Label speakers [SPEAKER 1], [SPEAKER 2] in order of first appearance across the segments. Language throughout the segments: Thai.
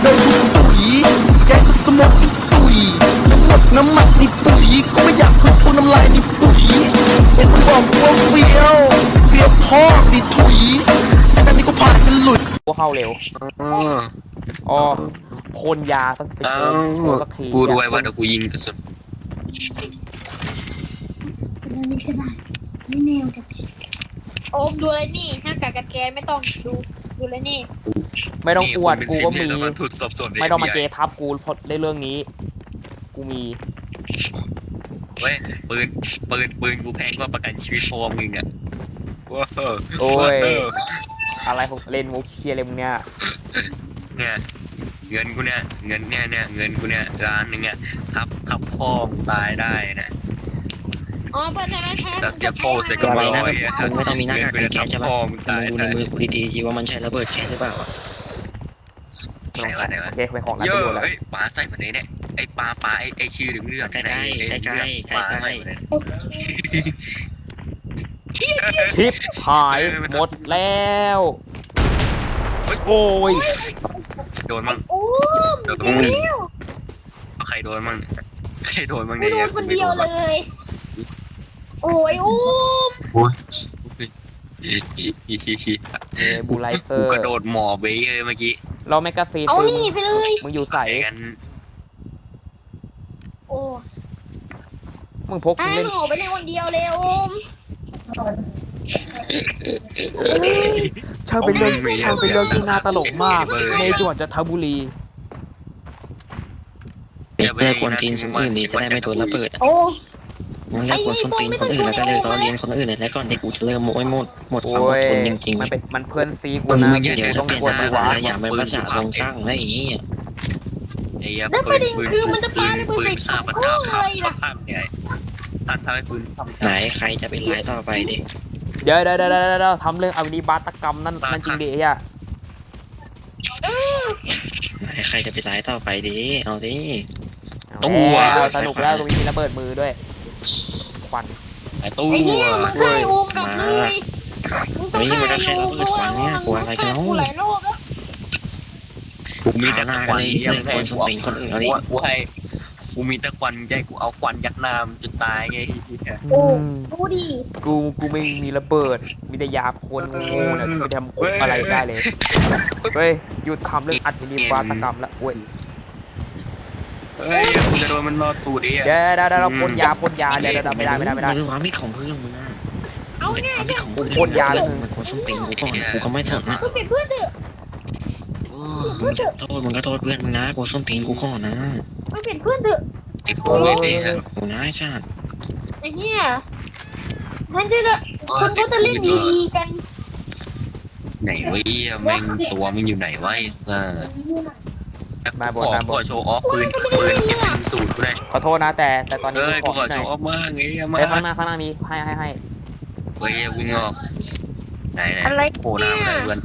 [SPEAKER 1] เลยปุ๋ยแกก็สมองที่ปุ๋ยทั้งหมดน้ำมันในปุ๋ยก็ไม่อยากพึ่งพวกน้ำลายในปุ๋ยเห็นมึงบอกกูว่าเฟี้ยวพ่อดิถุยแต่ตอนนี้กูผ่านจะหลุด
[SPEAKER 2] กูเข้าเร็วอ๋อพ่นยาสักทีสักที
[SPEAKER 3] กูรวยว่าเดี๋ยวกูยิงกระสุน
[SPEAKER 4] นี่ก็ได้ไม่แนวกันโอมดูเลยนี่หน้ากากกันแกนไม่ต้องดูเลยนี่
[SPEAKER 2] ไม่ต้องอวดกูก็มีไม่ต้องมาเจ
[SPEAKER 3] FBI
[SPEAKER 2] ทับกูเพราะในเรื่องนี้กูมี
[SPEAKER 3] เว้ยปืนกูแพงกว่าประกันชีวิตพ่อมึงอ่ะว้าว
[SPEAKER 2] โอ้ยอะไรของเล่นมุกเคียอะไรมึงเนี่ย
[SPEAKER 3] เงินกูเนี่ยเงินกูเนี่ยร้านนึงเนี่ยทับพ่อตายได้นะ
[SPEAKER 4] อ๋อเปิดใช่
[SPEAKER 3] แต่เดี๋ยวพ่อเสร็จก็มาเลย
[SPEAKER 5] มึงไม่ต้องมีหน้ากากกันแก๊สใช่ป่ะมึงดูในมือกูดีๆทีว่ามันใช่ระเบิดแก๊สหรือเปล่า
[SPEAKER 2] โอเคไปของกันไปดูแล้ว
[SPEAKER 3] ปลาใส่แบบนี้เนี่ยไอปลาไอชื่อเรื่อง
[SPEAKER 5] ใกล้
[SPEAKER 2] ชิปหายหมดแล้วโอ้ย
[SPEAKER 3] โดนมั้งโดนใครโดนมั้งเนี่ย
[SPEAKER 4] โดนคนเดียวเลยโอ้ย
[SPEAKER 2] บูไลเซอร์
[SPEAKER 3] กระโดดหมอเบ้เลยเมื่อกี้
[SPEAKER 2] เราแมกกาซีน
[SPEAKER 4] เอานี่ไปเลย
[SPEAKER 2] มึงอยู่ใส่
[SPEAKER 4] โอ้
[SPEAKER 2] มึงพก
[SPEAKER 4] เล่นหมอไปเล่นคนเดียวเลยโอม
[SPEAKER 2] ช่างเป็นเรื่องที่น่าตลกมากในจังหวัดจันทบุรี
[SPEAKER 5] เลิกกวนตีนคนอื่นนี่จะได้ไม่โดนระเบิดมึงเลิกกวนส้นตีนคนอื่นแล้วก็เลิกล้อเลียนคนอื่นแล้วก่อนที่กูจะเริ่มหมดความอดทนจริง
[SPEAKER 2] ๆมันเพื่อนซีกูนะ
[SPEAKER 5] เดี๋ยวต้องกวนไปวะอย่าเป็นภาษาลงช่างอะไรอย่างงี้
[SPEAKER 4] แล้วประเด็นคือมันจะปาระเบิดใส่ข้าวอะไรล่ะ
[SPEAKER 5] ไหนใครจะเป็นรายต่อไปดิ
[SPEAKER 2] เดี๋ยวทำเรื่องอวินิบาตกรรมนั่นจริงดิอ่ะ
[SPEAKER 5] ไหนใครจะเป็นรายต่อไปดิเอาดิ
[SPEAKER 2] ตัวสนุกแล้วตรงนี้มีระเบิดมือด้วยควัน
[SPEAKER 3] ไอ้ตู้
[SPEAKER 4] ไอ้เนี่ยมึงใครโอมกับเลย
[SPEAKER 5] นี่มันก็แค่ระเบิดควันเนี่ยกลัวอะไรกันเนาะ
[SPEAKER 3] กูมีแต่ควัน
[SPEAKER 5] ยังคนสมคนอื่นเอาดิ
[SPEAKER 3] กูมีแต่ควันใจกูเอาควันยัดน้ำจนตายไง
[SPEAKER 4] โอ้ดูดิ
[SPEAKER 2] กูไม่มีระเบิดมีแต่ยาคนงูเนี่ยคือทำคุกอะไรได้เลยเฮ้ยหยุดทำเรื่องอัดวินิบาตกรรมละโว้ย
[SPEAKER 3] กูจะโดนมันรอตูดิ
[SPEAKER 2] เดี๋ยวเราพ่นยาเดี๋ยวไม่ได้
[SPEAKER 5] มันว่าไม่ของเพื่อนมึงนะ
[SPEAKER 4] เอาไงเนี่ย
[SPEAKER 2] พ่นยาเลย
[SPEAKER 5] มันคนสมกูก่อนกูก็ไม่สนนะ
[SPEAKER 4] ก็เป็นเพื่อนเถอะ
[SPEAKER 5] มึงก็โทษเพื่อนมึงนะกูส้มตีนกูก่อนนะ
[SPEAKER 4] ไม่เป็นเพื่อนเถอะ
[SPEAKER 3] ไอ้โง่เลย
[SPEAKER 5] กูน่าจ้า
[SPEAKER 4] ไอ้เหี้ยท่านจะคนเขาจะเล่นดีๆกัน
[SPEAKER 3] ไหนวะแม่งตัวมึงอยู่ไหนวะ
[SPEAKER 2] มาบน
[SPEAKER 3] ขอโชว์ออฟปืนสูตรกูได้
[SPEAKER 2] ขอโทษนะแต่ตอนนี้
[SPEAKER 3] กูขอโชว์ออฟมากไงมา
[SPEAKER 2] ข้างหน้ามีให้
[SPEAKER 3] เฮ้ยวิ่งออกไหนโผล่หน้ามาเพื่อน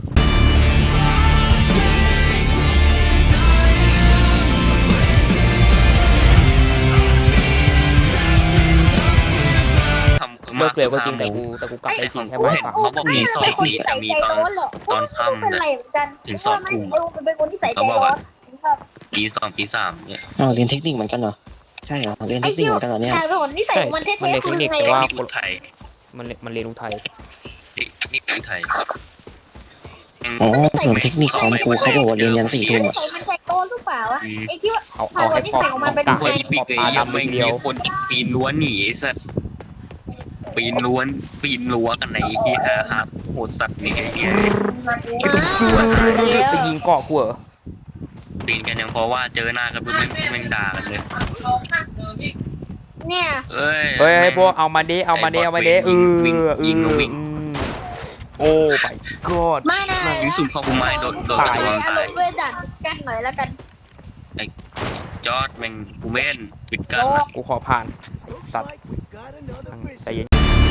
[SPEAKER 2] เลิกเร็วก็จริงแต่กูกลับไปจริงแค่ไม่ฟัง
[SPEAKER 3] เขาบอกมีสองปีแต่มีตอนค่ำเนี่ยถึง2 ทุ่ม
[SPEAKER 4] เป็นคนที่ใส่ใจร้อน
[SPEAKER 3] ปี2 ปี 3เนี่ย
[SPEAKER 5] เรียนเทคนิคเหมือนกันเหรอใช่เหรอเรียนเทคนิคเหมือนกันเหรอเนี่ย
[SPEAKER 4] แต่คนที่ใส่มันเท่ๆคือไง
[SPEAKER 2] ว่า
[SPEAKER 3] คนไทย
[SPEAKER 2] มันเรียนรู้ไทย
[SPEAKER 3] นี่คือไทย
[SPEAKER 5] อ๋อส่วนเทคนิคของกูเขาบอกว่าเรียนยัน4 ทุ่มอ่ะ
[SPEAKER 4] มันใจโตหรือเปล่าวะไอ้คิดว่า
[SPEAKER 2] เอาให้พอมันเป็น
[SPEAKER 3] ไงขอบตาดำเดียวคนปีนล้วนหนีสัตว์ปีนรั้วกันไหนที่หาโหดสัตว์นี่ไงเนี่ย
[SPEAKER 2] ไปยิงเกาะกูเหรอ
[SPEAKER 3] ปีนกันยังเพราะว่าเจอหน้ากันปุ๊บแม่งด่ากันเลย
[SPEAKER 4] เนี่ย
[SPEAKER 2] เฮ้ยพวกเอามาดิยิงโอ้ไปกอด
[SPEAKER 4] ไม่นะ
[SPEAKER 3] ยิงสุ่มเข้ากูไม้โดน
[SPEAKER 4] ตายด้วยดันกันหน่อยแล้วกัน
[SPEAKER 3] ไอ้จอดแม่งกูเม่นปิดกัน
[SPEAKER 2] กูขอผ่านตัดใจเย็น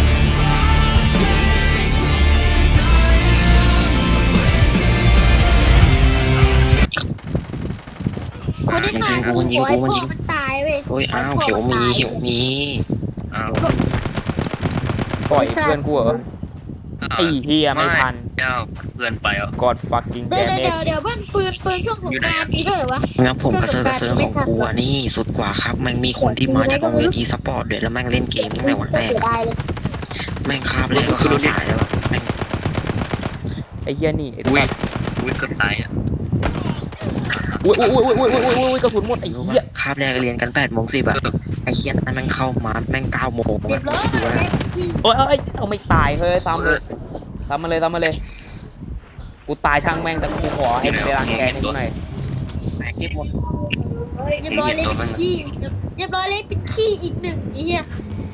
[SPEAKER 4] คนที่ตายคือหัวไอ้พวกมันตายเว้ย
[SPEAKER 5] โอ้ยอ้าวเขียวมี
[SPEAKER 2] ปล่อยเพื่อนกูเหรอไอ้เฮียไม่ทัน
[SPEAKER 3] เจ้าเพื่อนไปอ่ะ
[SPEAKER 2] กอด fucking
[SPEAKER 4] เดี๋ยว
[SPEAKER 2] damn
[SPEAKER 4] เดี๋ยว
[SPEAKER 2] it
[SPEAKER 4] เดี๋ยวเบิ้ลปืนช่วงสงกรานต์มีด้วยเหรอวะ
[SPEAKER 5] งั้นผมกระเซิร์ของกูอ่ะนี่สุดกว่าครับแม่งมีคนที่มาจากโรงเรียนทีสปอร์ตด้วยแล้วแม่งเล่นเกมตั้งแต่วันแรก
[SPEAKER 4] เสียดายเลย
[SPEAKER 5] แม่งคาบแรกก็เข้าสายแล้วอะแม่ง
[SPEAKER 2] ไอ้เฮียนี่ไอ้
[SPEAKER 3] อุ้ย
[SPEAKER 2] สัตว์
[SPEAKER 3] อุ้ยเกือบตายอ่ะ
[SPEAKER 2] อุ้ยกระสุนหมดไอ้เหี้ย
[SPEAKER 5] คาบแรกเรียนกัน8:10อะไอ้เคียนนั้นแม่งเข้ามาแม่ง9 โมง
[SPEAKER 4] เรียบร้อย
[SPEAKER 5] ดูว่า
[SPEAKER 4] ขี้
[SPEAKER 2] โอ้ยเอาไม่ตายเฮ้ยซ้ำเลยซ้ำมาเลยกูตายช่างแม่งแต่กูขอให้มันได้รังแกให้กูหน่อย
[SPEAKER 5] เก็บหมด
[SPEAKER 4] เรียบร้อยเลยเป็นขี้เรียบร้อยเลยเป็นขี้อีกหนึ่งไอ้เหี้ย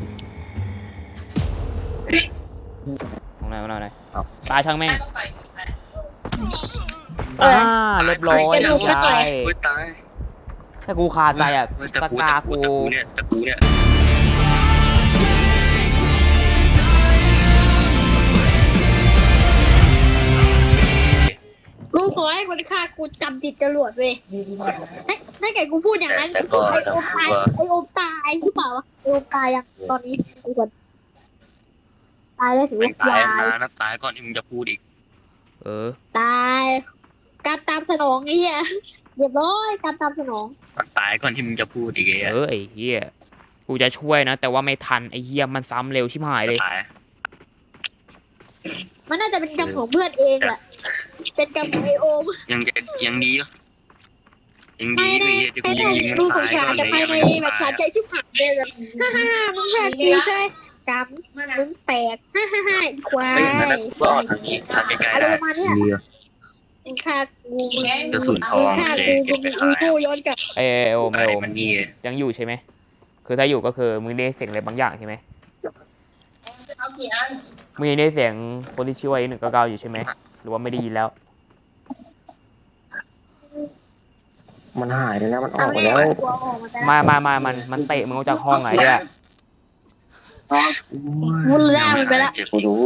[SPEAKER 2] เอาหน่อยตายช่างแม่ง
[SPEAKER 4] เออ
[SPEAKER 2] เรียบร้อย
[SPEAKER 4] กระดูกไม่
[SPEAKER 2] ตา
[SPEAKER 4] แตก
[SPEAKER 2] ย
[SPEAKER 3] อุ้ยตาย
[SPEAKER 2] ถ้ากูคาใจอ่ะ
[SPEAKER 3] แต่
[SPEAKER 2] ส
[SPEAKER 3] กู
[SPEAKER 2] กา
[SPEAKER 3] แต่
[SPEAKER 2] กู
[SPEAKER 3] กูเนี่ยแต่กูเนี่ย
[SPEAKER 4] กูขอให้คนฆ่ากูจำติดจรวดเว้ยถ้าเกิดกูพูดอย่างนั้นไอโอมตายหรือเปล่าวะไอโอมตายยังตอนนี้กูก่อนตายแล้วถือ
[SPEAKER 3] ไม่
[SPEAKER 4] ว่า
[SPEAKER 3] ตาย
[SPEAKER 4] ตาย
[SPEAKER 3] นะนะตายก่อนที่มึงจะพูดอีก
[SPEAKER 2] เออ
[SPEAKER 4] ตายการตามสนองไอ้เหี้ยเรียบร้อยการตามสนอง
[SPEAKER 3] มันตายก่อนที่มึงจะพูดอีกไอ้
[SPEAKER 2] ไอ้เหี้ยกูจะช่วยนะ แต่ว่าไม่ทันไอ้เหี้ยมันซ้ำเร็วชิบหายเลย
[SPEAKER 3] ตาย
[SPEAKER 4] มันน่าจะเป็นกรรมของเพื่อนเองแหละเป็นกรรมของไอโอม
[SPEAKER 3] ยังจะยังดีอ่ะยัง
[SPEAKER 4] ภา
[SPEAKER 3] ดี
[SPEAKER 4] ยใน
[SPEAKER 3] ที่
[SPEAKER 4] ภา
[SPEAKER 3] กู
[SPEAKER 4] ยใน
[SPEAKER 3] ยังยิง
[SPEAKER 4] ดู
[SPEAKER 3] มัน
[SPEAKER 4] สง
[SPEAKER 3] ตาย
[SPEAKER 4] สาร
[SPEAKER 3] ก่อน
[SPEAKER 4] แต่
[SPEAKER 3] เลย
[SPEAKER 4] ภายในแบบสาใจชิบหายเลยแบบฮ่ามึงแพ้กูใช่กรรมมึงแตกฮ่าอีควาย
[SPEAKER 3] เฮ้ยนั่นรอดทางนี้ทางใกล้ๆ
[SPEAKER 4] อะไร
[SPEAKER 3] ได้
[SPEAKER 4] ประมาณเนี้ยมึงฆ่ากู
[SPEAKER 3] กระสุนทอ
[SPEAKER 4] มึง
[SPEAKER 3] ง
[SPEAKER 4] ฆ่า
[SPEAKER 3] เลย
[SPEAKER 4] กู
[SPEAKER 3] เก็บ
[SPEAKER 4] มึง
[SPEAKER 3] ไป
[SPEAKER 4] มี
[SPEAKER 3] ขาย
[SPEAKER 4] กูย้อนกลับ
[SPEAKER 2] ไอ้โอม
[SPEAKER 3] อะไรมันนี่
[SPEAKER 2] ยังอยู่ใช่ไหมคือถ้าอยู่ก็คือมึงได้เสียงอะไรบางอย่างใช่ไหมมึงยังได้เสียงคนที่ชื่อว่า199อยู่ใช่ไหมหรือว่าไม่ได้ยินแล้ว
[SPEAKER 5] มันหายไปแล้วมันออ
[SPEAKER 4] เอา
[SPEAKER 5] กไป
[SPEAKER 4] ไง
[SPEAKER 5] แล้ว
[SPEAKER 4] กูเอาออกมาแล้ว
[SPEAKER 2] มันเตะมึงออกจากห้องไหนเนี่ย
[SPEAKER 4] กูล่ามันไปแล้ว
[SPEAKER 5] กูรู้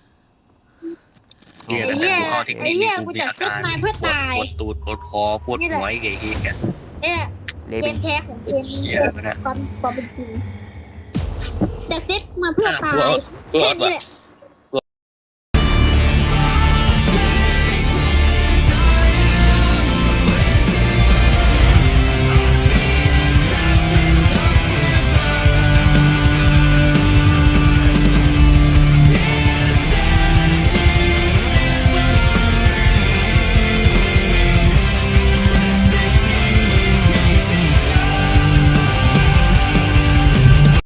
[SPEAKER 3] เหี้ย
[SPEAKER 4] ไอ้เหี้ย
[SPEAKER 3] กูเข้าเทคนิค
[SPEAKER 4] ไอ้เหี้ย
[SPEAKER 3] กู
[SPEAKER 4] กู
[SPEAKER 3] มี
[SPEAKER 4] จัด
[SPEAKER 3] อา
[SPEAKER 4] เซต
[SPEAKER 3] การ
[SPEAKER 4] มาเพื่อตาย
[SPEAKER 3] ปวดตูดปวดคอปวดหัวไอ้เหี้ย
[SPEAKER 4] เนี่ย
[SPEAKER 2] เละ
[SPEAKER 4] เก
[SPEAKER 2] เป็น
[SPEAKER 4] มแท้ของเกม
[SPEAKER 3] เหี้ยมันอะ
[SPEAKER 4] ความเป็นจริงจัดเซตมาเพื่อตาย
[SPEAKER 3] กู
[SPEAKER 4] แค่
[SPEAKER 3] เอา
[SPEAKER 4] นี้แหละ